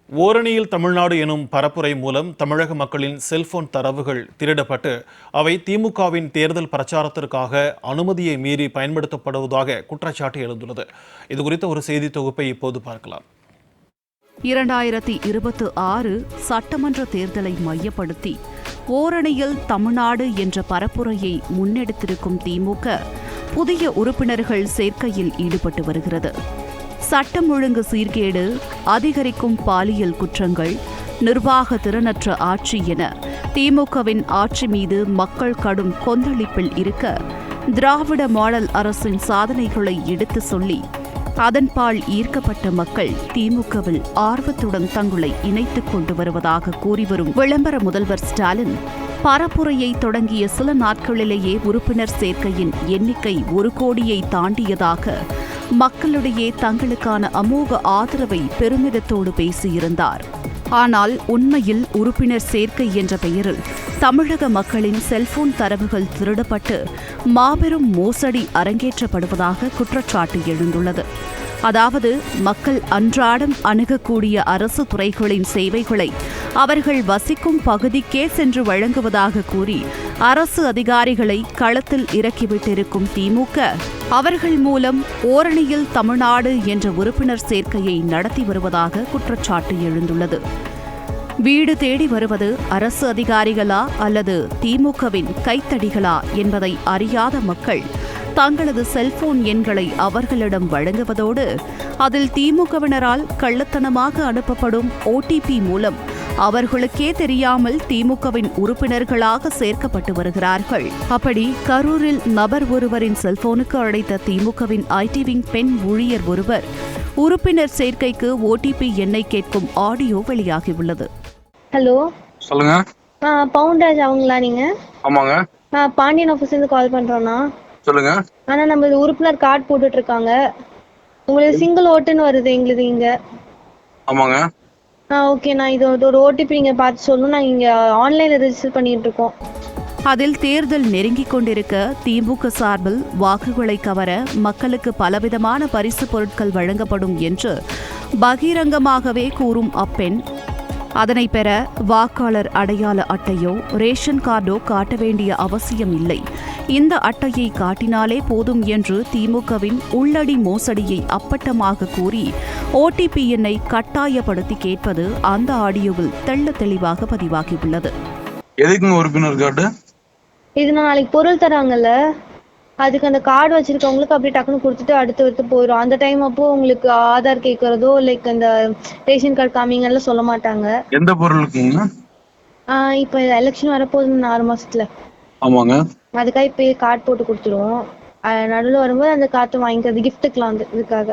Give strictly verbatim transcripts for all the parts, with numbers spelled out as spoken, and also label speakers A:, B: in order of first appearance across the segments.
A: ஓரணியில் தமிழ்நாடு எனும் பரப்புரை மூலம் தமிழக மக்களின் செல்போன் தரவுகள் திருடப்பட்டு அவை திமுகவின் தேர்தல் பிரச்சாரத்திற்காக அனுமதியை மீறி பயன்படுத்தப்படுவதாக குற்றச்சாட்டு எழுந்துள்ளது. இதுகுறித்த ஒரு செய்தி தொகுப்பை இப்போது பார்க்கலாம்.
B: இரண்டாயிரத்தி இருபத்தி ஆறு சட்டமன்ற தேர்தலை மையப்படுத்தி ஓரணியில் தமிழ்நாடு என்ற பரப்புரையை முன்னெடுத்திருக்கும் திமுக புதிய உறுப்பினர்கள் சேர்க்கையில் ஈடுபட்டு வருகிறது. சட்டம் ஒழுங்கு சீர்கேடு, அதிகரிக்கும் பாலியல் குற்றங்கள், நிர்வாக திறனற்ற ஆட்சி என திமுகவின் ஆட்சி மீது மக்கள் கடும் கொந்தளிப்பில் இருக்க, திராவிட மாடல் அரசின் சாதனைகளை எடுத்து சொல்லி அதன்பால் ஈர்க்கப்பட்ட மக்கள் திமுகவில் ஆர்வத்துடன் தங்களை இணைத்துக் கொண்டு வருவதாக கூறிவரும் விளம்பர முதல்வர் ஸ்டாலின் பரப்புரையை தொடங்கிய சில நாட்களிலேயே உறுப்பினர் சேர்க்கையின் எண்ணிக்கை ஒரு கோடியை தாண்டியதாக மக்களிடையே தங்களுக்கான அமோக ஆதரவை பெருமிதத்தோடு பேசியிருந்தார். ஆனால் உண்மையில் உறுப்பினர் சேர்க்கை என்ற பெயரில் தமிழக மக்களின் செல்போன் தரவுகள் திருடப்பட்டு மாபெரும் மோசடி அரங்கேற்றப்படுவதாக குற்றச்சாட்டு எழுந்துள்ளது. அதாவது மக்கள் அன்றாடம் அணுகக்கூடிய அரசு துறைகளின் சேவைகளை அவர்கள் வசிக்கும் பகுதிக்கே சென்று வழங்குவதாக கூறி அரசு அதிகாரிகளை களத்தில் இறக்கிவிட்டிருக்கும் திமுக அவர்கள் மூலம் ஓரணியில் தமிழ்நாடு என்ற உறுப்பினர் சேர்க்கையை நடத்தி வருவதாக குற்றச்சாட்டு எழுந்துள்ளது. வீடு தேடி வருவது அரசு அதிகாரிகளா அல்லது திமுகவின் கைத்தடிகளா என்பதை அறியாத மக்கள் தங்களது செல்போன் எண்களை அவர்களிடம் வழங்குவதோடு அதில் திமுகவினரால் கள்ளத்தனமாக அனுப்பப்படும் ஓடிபி மூலம் அவர்களுக்கே தெரியாமல் திமுகவின் உறுப்பினர்களாக சேர்க்கப்பட்டு வருகிறார்கள். அப்படி கரூரில் நபர் ஒருவரின் செல்போனுக்கு அழைத்த திமுகவின் ஐடி விங் பெண் ஊழியர் ஒருவர் உறுப்பினர் சேர்க்கைக்கு ஓடிபி எண்ணை கேட்கும் ஆடியோ வெளியாகியுள்ளது.
C: ஹலோ,
D: சொல்லுங்க.
C: பவுண்டராஜ் அவங்களா நீங்க?
D: ஆமாங்க.
C: பாண்டியன் ஆஃபீஸ்ல இருந்து கால் பண்றோம்னா.
D: சொல்லுங்க.
C: ஆனா நம்ம உறுப்பினர் கார்டு போட்டுட்டு இருக்காங்க. உங்களுக்கு சிங்கிள் ஓட்டுன்னு வருது எங்களுக்கு இங்க.
D: ஆமாங்க.
C: ஆ ஓகே, நான் இது ஒரு ஓடிபி நீங்க பார்த்து சொல்லணும். நாங்க இங்க ஆன்லைன்ல ரெஜிஸ்டர் பண்ணிட்டு இருக்கோம்.
B: அதில் தேர்தல் நெருங்கிக் கொண்டிருக்க திமுக சார்பில் வாக்குகளை கவர மக்களுக்கு பலவிதமான பரிசு பொருட்கள் வழங்கப்படும் என்று பகிரங்கமாகவே கூறும் அப்பெண் அதனை பெற வாக்காளர் அடையாள அட்டையோ ரேஷன் கார்டோ காட்ட வேண்டிய அவசியம் இல்லை, இந்த அட்டையை காட்டினாலே போதும் என்று திமுகவின் உள்ளடி மோசடியை அப்பட்டமாக கூறி ஓடிபி எண்ணை கட்டாயப்படுத்தி கேட்பது அந்த ஆடியோவில் தெள்ள தெளிவாக பதிவாகியுள்ளது.
D: எதுக்குங்க உறுப்பினர் கார்டு?
C: இது நான் நாளைக்கு பொருள் தராங்கல்ல, அதுக்கு அந்த கார்டு வச்சிருக்கவங்களுக்கு அப்படி டக்குன்னு கொடுத்துட்டு அடுத்து அடுத்து போயிடும். அந்த டைம் அப்போ உங்களுக்கு ஆதார் கேட்கறதோ லைக் அந்த ரேஷன் கார்டு காமிங்கன்னு சொல்ல மாட்டாங்க.
D: எந்த பொருளுக்குங்க?
C: ஆஹ் இப்ப எலெக்ஷன் வரப்போகுது ஆறு மாசத்துல.
D: ஆமாங்க.
C: அதுக்காக இப்பயே கார்டு போட்டு கொடுத்துருவோம். நடுவில் வரும்போது அந்த கார்டு வாங்கிக்கிறது கிஃப்ட்டுக்கலாம் வந்து இதுக்காக.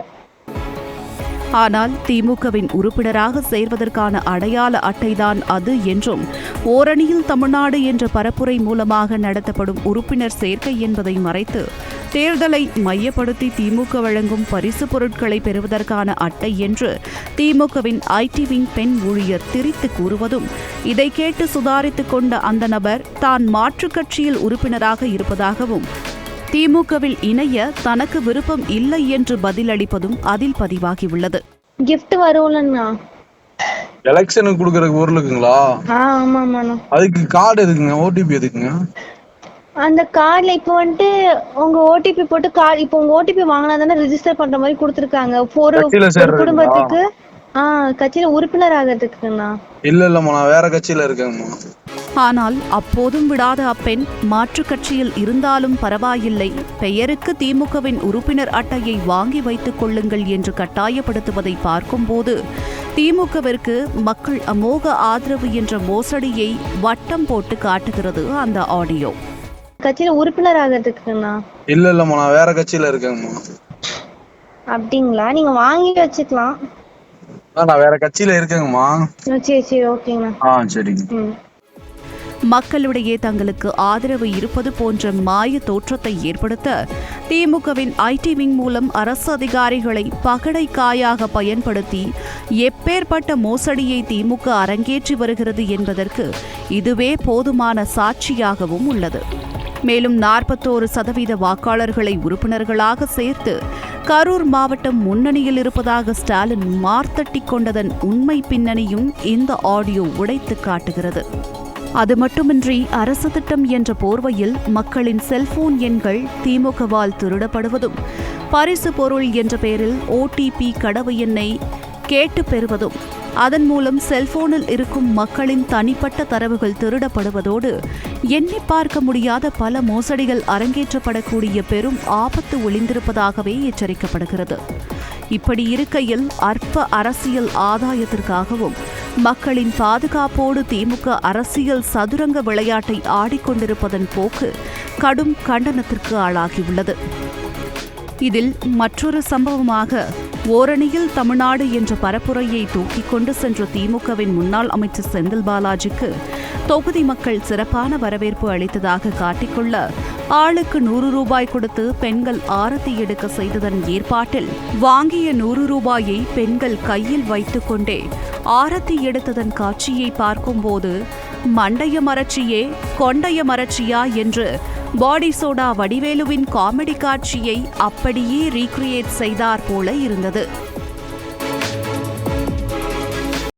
B: ஆனால் திமுகவின் உறுப்பினராக சேர்வதற்கான அடையாள அட்டைதான் அது என்றும் ஓரணியில் தமிழ்நாடு என்ற பரப்புரை மூலமாக நடத்தப்படும் உறுப்பினர் சேர்க்கை என்பதை மறைத்து தேர்தலை மையப்படுத்தி திமுக வழங்கும் பரிசு பொருட்களை பெறுவதற்கான அட்டை என்று திமுகவின் ஐடி விங் பெண் ஊழியர் திரித்து கூறுவதும், இதை கேட்டு சுதாரித்துக் கொண்ட அந்த நபர் தான் மாற்றுக் கட்சியில் உறுப்பினராக இருப்பதாகவும் திமுகவில் இணைய தனக்கு விருப்பம் இல்லை என்று பதிலளிப்பதும் அதில் பதிவாகியுள்ளது.
C: கிஃப்ட் வரும்லண்ணா,
D: எலெக்ஷனுக்கு கொடுக்கற பொருளுக்குங்களா?
C: ஆமா ஆமாண்ணா.
D: அதுக்கு கார்டு எதுக்குங்க? ஓடிபி எதுக்குங்க?
C: அந்த கார்டுல இப்போ வந்துட்டு உங்க ஓடிபி போட்டு கார்டு இப்போ உங்க ஓடிபி வாங்கினா தானே ரெஜிஸ்டர் பண்ற மாதிரி கொடுத்துருக்காங்க. ஒரு குடும்பத்துக்கு ஆஹ் கட்சியில உறுப்பினர் ஆகிறதுக்குண்ணா.
D: இல்ல இல்லம்மா, நான் வேற கட்சியில இருக்கேன்மா.
B: ஆனால் அப்போதும் விடாத அப்பெண் மாற்றுக் கட்சியில் இருந்தாலும் பரவாயில்லை, பெயருக்கு திமுகவின் உறுப்பினர் அட்டையை வாங்கி வைத்துக் கொள்ளுங்கள் என்று கட்டாயப்படுத்துவதை பார்க்கும்போது திமுகவிற்கு மக்கள் அமோக ஆதரவு என்ற மோசடியை வட்டம் போட்டு காட்டுகிறது அந்த ஆடியோ.
C: கட்சியில உறுப்பினர் ஆகிறதுக்குண்ணா.
D: இல்ல இல்லம்மா, நான் வேற கட்சியில இருக்கேன்மா.
C: அப்படிங்களா? நீங்க வாங்கி வச்சுக்கலாம்.
D: நான் வேற கட்சியில இருக்கேங்கம்மா.
C: சரி சரி ஓகேங்கண்ணா.
D: ஆ சரிங்க.
B: மக்களிடையே தங்களுக்கு ஆதரவு இருப்பது போன்ற மாய தோற்றத்தை ஏற்படுத்த திமுகவின் ஐடி விங் மூலம் அரசு அதிகாரிகளை பகடை காயாக பயன்படுத்தி எப்பேற்பட்ட மோசடியை திமுக அரங்கேற்றி வருகிறது என்பதற்கு இதுவே போதுமான சாட்சியாகவும் உள்ளது. மேலும் நாற்பத்தோரு சதவீத வாக்காளர்களை உறுப்பினர்களாக சேர்த்து கரூர் மாவட்டம் முன்னணியில் இருப்பதாக ஸ்டாலின் மார்த்தட்டி கொண்டதன் உண்மை பின்னணியும் இந்த ஆடியோ உடைத்து காட்டுகிறது. அது மட்டுமின்றி அரசு திட்டம் என்ற போர்வையில் மக்களின் செல்போன் எண்கள் திமுகவால் திருடப்படுவதும், பரிசு பொருள் என்ற பெயரில் ஓடிபி கடவு எண்ணை கேட்டு பெறுவதும், அதன் மூலம் செல்போனில் இருக்கும் மக்களின் தனிப்பட்ட தரவுகள் திருடப்படுவதோடு எண்ணி பார்க்க முடியாத பல மோசடிகள் அரங்கேற்றப்படக்கூடிய பெரும் ஆபத்து ஒளிந்திருப்பதாகவே எச்சரிக்கப்படுகிறது. இப்படி இருக்கையில் அற்ப அரசியல் ஆதாயத்திற்காகவும் மக்களின் பாதுகாப்போடு திமுக அரசியல் சதுரங்க விளையாட்டை ஆடிக்கொண்டிருப்பதன் போக்கு கடும் கண்டனத்திற்கு ஆளாகியுள்ளது. இதில் மற்றொரு சம்பவமாக ஓரணியில் தமிழ்நாடு என்ற பரப்புரையை தூக்கிக் கொண்டு சென்ற திமுகவின் முன்னாள் அமைச்சர் செந்தில் பாலாஜிக்கு தொகுதி மக்கள் சிறப்பான வரவேற்பு அளித்ததாக காட்டிக்கொள்ள ஆளுக்கு நூறு ரூபாய் கொடுத்து பெண்கள் ஆரத்தி எடுக்க செய்ததன் ஏற்பாட்டில் வாங்கிய நூறு ரூபாயை பெண்கள் கையில் வைத்துக் கொண்டே ஆரத்தி எடுத்ததன் காட்சியை பார்க்கும்போது மண்டைய மரட்சியே கொண்டைய மரட்சியா என்று பாடி சோடா வடிவேலுவின் காமெடி காட்சியை அப்படியே ரீக்ரியேட் செய்தார் போல இருந்தது.